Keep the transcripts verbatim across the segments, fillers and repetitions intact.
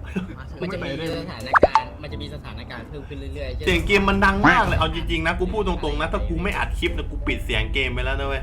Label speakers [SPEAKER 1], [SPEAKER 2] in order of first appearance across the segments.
[SPEAKER 1] มันจะมีสถานการณ์มันจะมีสถานการณ์เพิ่มขึ้นเรื่อยๆ
[SPEAKER 2] เสียงเกมมันดังมากเลยเอาจริงๆนะกูพูดตรงๆนะถ้ากูไม่อัดคลิปนะกูปิดเสียงเกมไปแล้วนะเว้ย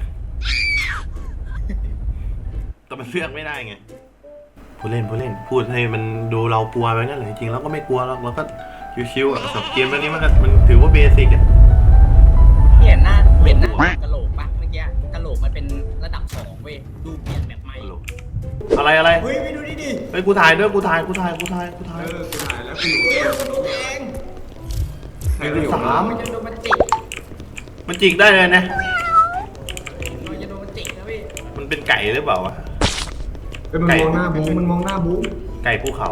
[SPEAKER 2] แต่มันเลือกไม่ได้ไงผู้เล่นผู้เล่นพูดให้มันดูเรากลัวไปนั่นแหละจริงๆแล้วก็ไม่กลัวหรอกเราก็ชิวๆอ่ะกับเกมตัวนี้มันก็มันถือว่าเบสิกอ่ะ
[SPEAKER 1] เห็นหน้าเห็นหน้ากะโหลกปะเมื่อกี้กะโหลกมันเป็นระดับสองเว้ยดูเปลี่ยนแบบใหม่
[SPEAKER 2] อะไรอะไร
[SPEAKER 1] เฮ้ยไปดูดิดิ
[SPEAKER 2] เฮ้ยกูถ่ายด้วยกูถ่ายกูถ่ายกูถ่ายกูถ่าย
[SPEAKER 3] เออกูถ่ายแล้วกูอยู่
[SPEAKER 1] เกมมันดูเอง
[SPEAKER 3] ใครก็อยู่
[SPEAKER 2] สาม
[SPEAKER 1] มันจะโดนมันจิก
[SPEAKER 2] มันจิกได้เลยนะ
[SPEAKER 1] มันจะโดนมันจิกนะพี่
[SPEAKER 2] มันเป็นไก่หรือเปล่าวะ
[SPEAKER 3] เฮ้ยมันมองหน้าบูมันมองหน้าบู
[SPEAKER 2] ไก่ภูเขา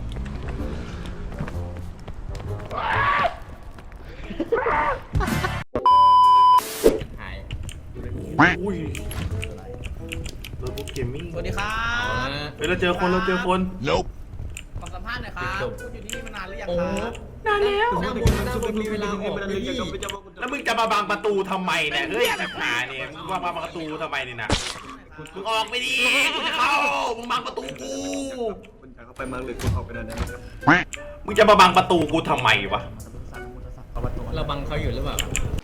[SPEAKER 1] หาย
[SPEAKER 2] อุ้ยโดนพวกเกมมิ่ง
[SPEAKER 1] สวัสดีครับ
[SPEAKER 2] เฮ้ยเราเจอคนเราเจอคน
[SPEAKER 4] Nope
[SPEAKER 1] ขอสัมภาษณ์หน่อยครับคุณอยู่ที่นี่มานานหรือยังครับ
[SPEAKER 2] นานแล้ว
[SPEAKER 1] หน้าบนหน้าบนมีเวลาออกเลยพี่
[SPEAKER 2] แล้วมึงจะมาบังประตูทำไมเนี่ยเฮ้ยปัญหาเนี่ยมึงว่ามาบังประตูทำไมเนี่ยนะมึงออกไปดิกูจะเข้ามึงบังประตูกู
[SPEAKER 3] คุณจะเข้าไปมาหรือคุณออกไปได้ไหม
[SPEAKER 2] มึงจะมาบังประตูกูทำไมวะ
[SPEAKER 1] เราบังเขาอยู่หรือเปล่า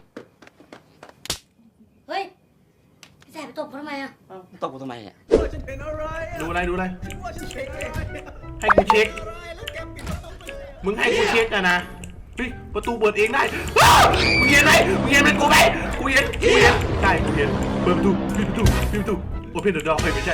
[SPEAKER 5] เฮ้ยพี่แสบไปตบเขาทำไมอ่ะ
[SPEAKER 4] ตบกูทำไมอ่ะ
[SPEAKER 1] ฉันเป็นอะไร
[SPEAKER 2] ดูอะไรดูอะไร
[SPEAKER 1] ว่าฉันเป็นอะไร
[SPEAKER 2] ให้กูเช็ค
[SPEAKER 1] แล้วแกปิดประตูไปเลย
[SPEAKER 2] มึงให้กูเช็คกันนะเฮ้ยประตูเปิดเองได้ว้าวมึงเห็นไหมมึงเห็นเป็นกูไหมกูเห็นกูเห็นใช่กูเห็นเปิดประตูปิดประตูปิดประตูโอเพนเดอะดอร์ไม่ใช่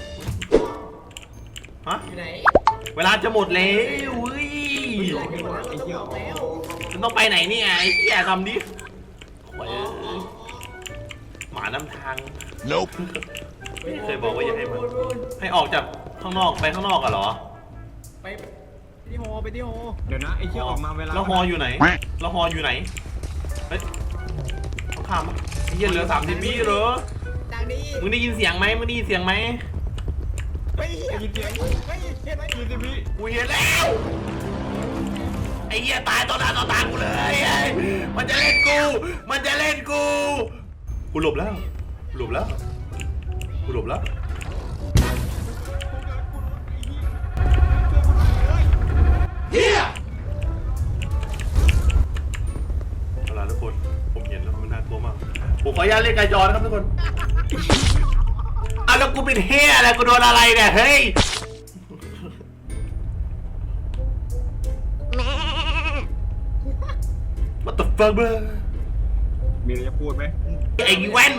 [SPEAKER 2] ฮะ
[SPEAKER 1] อยู่ไหน
[SPEAKER 2] เวลาจะหมดแล้วเฮ้ย
[SPEAKER 1] ไอ้เหี้ยแล้ว
[SPEAKER 2] มันต้องไปไหนเนี่ยไอ้เหี้ยทำดิโอ้ยหมาน้ำทาง
[SPEAKER 4] Nope
[SPEAKER 2] เคยบอกว่าอย่าให้มันให้ออกจากข้างนอกไปข้างนอกอะเหรอ
[SPEAKER 1] ไปที่โฮไปที่โฮ
[SPEAKER 3] เดี๋ยวนะไอ้เชี่ยออกมาเวลา
[SPEAKER 2] แล้วฮออยู่ไหนแล้วฮออยู่ไหนเฮ้ยต้องข้ามมั้ยไอ้เหี้ยเหลือสามสิบวิเหรอ
[SPEAKER 1] จากนี้
[SPEAKER 2] มึงได้ยินเสียงไหมมึงได้ยินเสียงไหม
[SPEAKER 1] ไปยินเสียงไปเห็นไหม
[SPEAKER 3] ยี่สิบวิ
[SPEAKER 2] กูเห็นแล้วไอ้เหี้ยตายต่อหน้าต่อตากูเลยไอ้มันจะเล่นกูมันจะเล่นกูกูหลบแล้วหลบแล้วกูหลบแล้วเฮียเอาล่ะทุกคนผมเห็นแล้วมันน่ากลัวมากผมขออนุญาตเล่นไกจอนะครับทุกคนอ้าวแล้วกูเป็นเฮียอะไรกูโดนอะไรเนี่ยเฮ้ยWhat the fuck bro
[SPEAKER 3] มีอะไรจะพูดไหม
[SPEAKER 2] ไอ้แว่น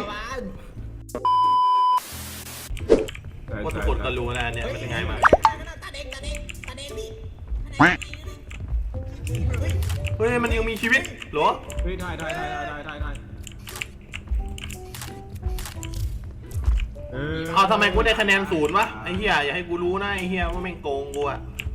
[SPEAKER 2] ว่าทุกคนก็รู้นะเนี่ยมันยังไงมา
[SPEAKER 1] ตาเด้งตาเด้งตาเด้งพี่
[SPEAKER 2] เฮ้ยมันยังมีชีวิตเหรอ
[SPEAKER 3] เฮ้ยได้ได้ได้ได้ได้ได้เออ
[SPEAKER 2] เอาทำไมกูได้คะแนนศูนย์วะไอ้เหี้ยอย่าให้กูรู้นะไอ้เหี้ยว่าแม่งโกงกูอะ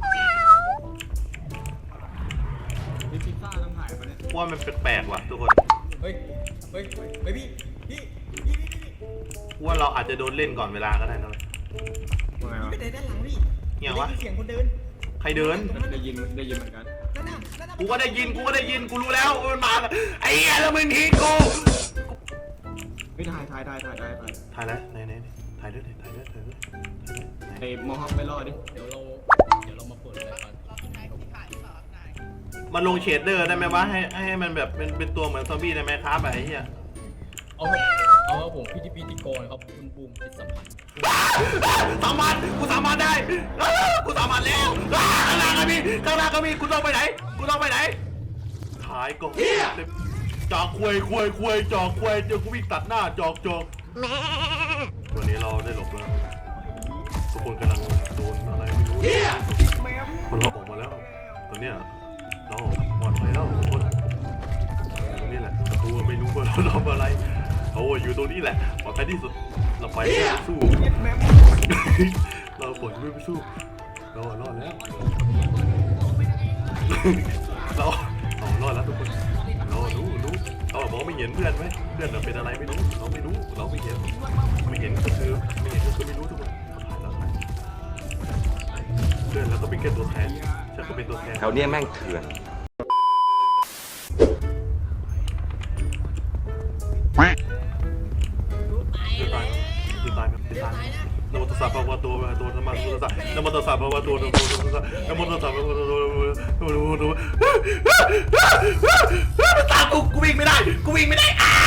[SPEAKER 3] มีพิซซ่าต้องถ่ายมาเนี่ย
[SPEAKER 2] ว่ามันแปลกๆว่ะทุกคน
[SPEAKER 1] เฮ้ยเฮ้ยเฮ้ยพี่พี่พี่พี่พี่
[SPEAKER 2] กูว่าเราอาจจะโดนเล่นก่อนเวลาก็ได้นะ
[SPEAKER 3] ว่าไงวะ
[SPEAKER 1] ไปเดินด้านหลังพี่
[SPEAKER 2] เหี้ยวะ
[SPEAKER 1] ได้ยินเสียงคนเดิน
[SPEAKER 2] ใครเดิน
[SPEAKER 3] ได้ยินได้ยินเหมือนกัน
[SPEAKER 1] นั่นน่ะนั่นน่ะ
[SPEAKER 2] กูก็ได้ยินกูก็ได้ยินกูรู้แล้วมันมาแล้วไอ้เหี้ยแล้วมึงทิ้งกู
[SPEAKER 3] เฮ้ยถ่ายถ่ายถ่ายถ่ายถ่ายถ่าย
[SPEAKER 2] ถ่ายแล้วไหนไหนถ่ายด้วยถ่ายด้วยถ่ายด้วย
[SPEAKER 3] ไอ้มอฮอคไปรอดิ
[SPEAKER 1] เดี๋ยวเราเดี๋ยวเรามาเปิดเลยก่อน
[SPEAKER 2] มันลงเชดเดอร์ได้ไหมวะให้ให้มันแบบเป็นเป็นตัวเหมือนซอมบี้ได้ไหมครับไอ้เหี้ย
[SPEAKER 1] เอาเอาผมพิธีพิธีโกนครับคุณบูมจิตสัมผัส
[SPEAKER 2] สามารถกูสามารถได้อ้าวกูสามารถแล้วอ้าวข้างหน้าก็มีข้างหน้าก็มีกูต้องไปไหนกูต้องไปไหนถ่ายก่อนจอกควยควยควยจอกควยเจอกูวิ่งตัดหน้าจอกจอกวันนี้เราได้หลบแล้วทุกคนกำลังโดนอะไรไม่รู้มันเราออกมาแล้วตอนเนี้ยเราปลอดภัยแล้วทุกคนตรงนี้แหละประตูไม่รู้ว่าเราทำอะไรเขาอยู่ตรงนี้แหละปลอดภัยที่สุดเราไปสู้ เราปล่อยไม่ไปสู้เรารอดแล้วเราเรารอดแล้วทุกคนเรารู้รู้เรามองไม่เห็นเพื่อนไหมเพื่อนเราเป็นอะไรไม่รู้เราไม่รู้เราไม่เห็นไม่เห็นก็คือไม่เห็นก็คือไม่รู้ทุกคนผ่านแล้วผ่านเพื่อนเราก็เป็นแค่ตัวแทนฉันก็เป็นตัวแทน
[SPEAKER 4] แถวเนี้ยแม่งเถื่อน
[SPEAKER 2] คือตายคือตายคือตายโนวัตสับพระวะโตอะระหะโตสัมมาสัมพุทธัสสะนะโมตัสสะภะคะวะโตอะระหะโตสัมมาสัมพุทธัสสะนะโมตัสสะภะคะวะโตอะระหะโตสัมมาสัมพุทธัสสะมันตามกูกูวิ่งไม่ได้กูวิ่งไม่ได้อ้า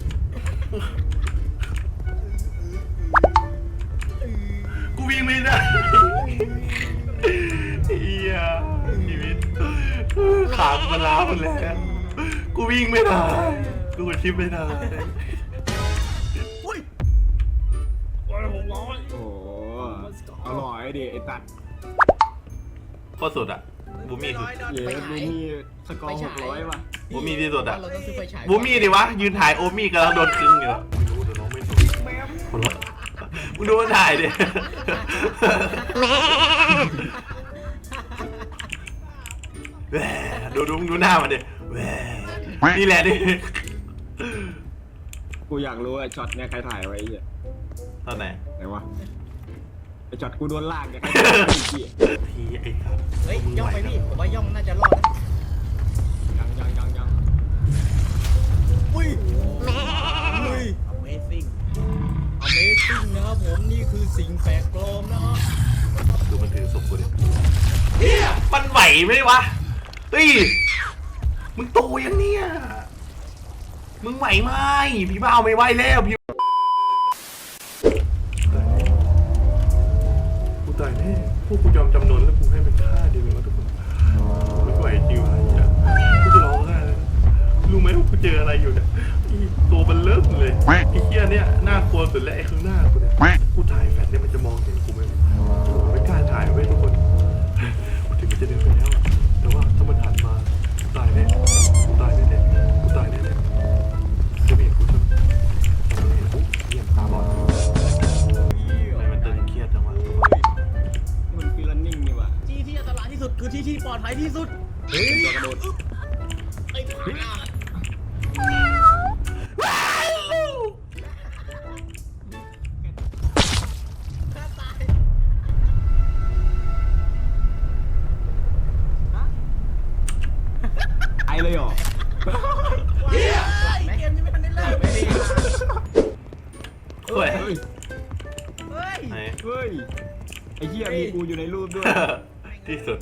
[SPEAKER 2] กูวิ่งไม่ได้เฮียชีวิตขากูมันล้าหมดแล้วกูวิ่งไม่ได้กูกดชิปไม่ได้
[SPEAKER 3] โอ้โหอร่อยดิไอ้ตัด
[SPEAKER 2] ข้อสุดอะบูมี่คือ
[SPEAKER 3] เย้บูมี่สกอร์หกร้อยว่ะ
[SPEAKER 2] บูมี่ที่สุดอะ
[SPEAKER 1] เราต้องซื้อไฟฉาย
[SPEAKER 2] บูมี่ดิวะยืนถ่ายโอมี่กำลังโดนคึงอยู่ไม่รู้เดี๋ยวน้องไม่รู้คนละมึงดูมันถ่ายดิแหวดูดูดูหน้ามันดิแหวนี่แหละดิ
[SPEAKER 3] กูอยากรู้ไอ้ช็อตเนี่ยใครถ่ายไว้ไอ้เหี้ย
[SPEAKER 2] ตอนไหน
[SPEAKER 3] ไหนวะไอ้ช็อตกูโดนลากเนี่ยใครถ่ายไว้ไอ้เหี้ย
[SPEAKER 2] ทีไอ้ครับ
[SPEAKER 1] เฮ้ยย่องไปพี่ผมว่าย่องน่าจะรอดนะ
[SPEAKER 3] ยังยังยังยัง
[SPEAKER 1] อุ้ยอุ้ย Amazing Amazing นะครับผมนี่คือสิ่งแปลกปลอมนะครับ
[SPEAKER 2] ดูมันถือศพกูดิเฮียมันไหวไหมวะเฮ้ยมึงโตยังเนี่ยมึงไหวไหมพี่บ้าไม่ไหวแล้วพี่กูตายแน่พวกกูยอมจำนนแล้วกูให้มันฆ่าดีไหมวะทุกคนกูไม่ไหวจริงวะเนี่ยกูจะร้องไห้เลยรู้ไหมว่ากูเจออะไรอยู่เนี่ยไอ้ตัวมันเริ่มเลยไอ้เหี้ยเนี่ยน่ากลัวสุดแล้วไอ้ข้างหน้ากูเนี่ยกูถ่ายแฟลชเนี่ยมันจะมองเห็นกูไหมกูไม่กล้าถ่ายไว้ทุกคนกูถึงมันจะเดินไปแล้วอะแต่ว่าถ้ามันหันมากูตายแน่กูตายแน่ๆกูตายแน่ๆจะไม่เห็นกูใช่ไหมจะไม่เห็นกูเหี้ยตาบอดทำไมมันตึงเครียดจังวะทุกคน
[SPEAKER 3] มันฟีลนิ่งนี่ว่ะ
[SPEAKER 1] ที่ที่อันตรายที่สุดคือที่ที่ปลอดภัยที่สุดเฮ้ย
[SPEAKER 3] ตัวกระโดด
[SPEAKER 1] ไอ้ผ่า
[SPEAKER 3] ไอเลยเหรอ
[SPEAKER 1] เฮ้ยเกมนี้ไม่ทันได้เริ่มเลย
[SPEAKER 2] เฮ้ย
[SPEAKER 3] เฮ้ย
[SPEAKER 1] เฮ้ย
[SPEAKER 2] ไหน
[SPEAKER 3] เฮ้ยไอ้เหี้ยมีกูอยู่ในรูปด้วย
[SPEAKER 2] ที่สุด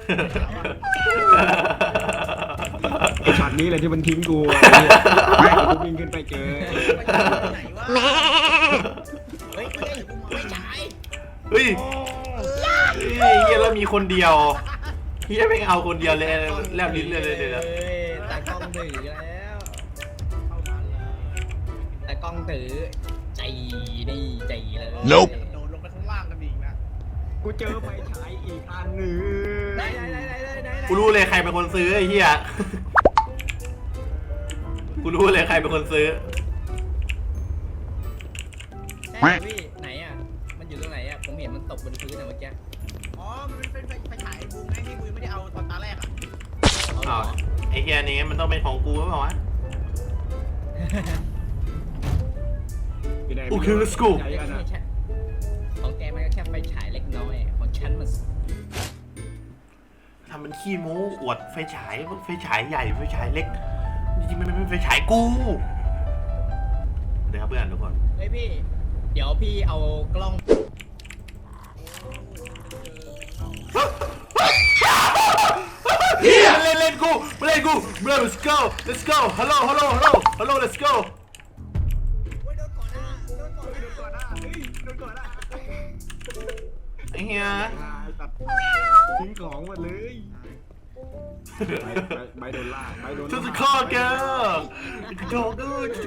[SPEAKER 3] ไอ้ช็อตนี้เลยที่มันทิ้งกูไอ้เหี้ยกูวิ่งขึ้นไปเจอ
[SPEAKER 1] ไหนวะเฮ้ยเฮ้ยกูมองไม่ฉาย
[SPEAKER 2] เฮ้ยเฮ้ยเฮียแล้วมีคนเดียวเฮียไม่เอาคนเดียวเลยแลบลิ้นเลยเลยเลย
[SPEAKER 1] ตากล้องถือแล้วเข้ามาเลยตากล้องถือใจนี่ใจเลย
[SPEAKER 4] Nope
[SPEAKER 1] โดนลงไปข้างล่างกันอีกนะ
[SPEAKER 3] กูเจอไฟฉายอีกอันหนึ่ง
[SPEAKER 1] ไหนไหนไหนไหนไหน
[SPEAKER 2] กูรู้เลยใครเป็นคนซื้อไอ้เฮียกูรู้เลยใครเป็นคนซื้อ
[SPEAKER 1] ใช่พี่ไหนอ่ะมันอยู่ตรงไหนอ่ะผมเห็นมันตกบนพื้นอะเมื่อกี้อ๋อมันเป็นไฟไฟฉายบูมไงที่บูมไม่ได้เอาตอนตาแรกอ่ะเอาเหร
[SPEAKER 2] อ้า
[SPEAKER 1] อ
[SPEAKER 2] วไอ้เฮียนี้มันต้องเป็นของกูหรือเปล่าวะ
[SPEAKER 3] อยู่ไหน
[SPEAKER 2] โอเค let's go
[SPEAKER 3] ใหญ่อันน่ะ
[SPEAKER 1] ของแกมันก็แค่ไฟฉายเล็กน้อยของฉันมัน
[SPEAKER 2] ทำมันขี้โม้อวดไฟฉายไฟฉายใหญ่ไฟฉายเล็กจริงๆมันเป็นไฟฉายกูเดี๋ยวครับเพื่อนทุกคน
[SPEAKER 1] เฮ้ยพี่ เดี๋ยวพี่เอากล้อง
[SPEAKER 2] เฮียมันเล่นเล่นกูมันเล่นกู bro let's go let's go hello hello hello hello let's go ไอ้เฮีย
[SPEAKER 3] ตัดทิ้งของหมดเลยใบใบโดนล่าใบโดน
[SPEAKER 2] จะ
[SPEAKER 3] ล่า
[SPEAKER 2] จะข้อแกกระโดด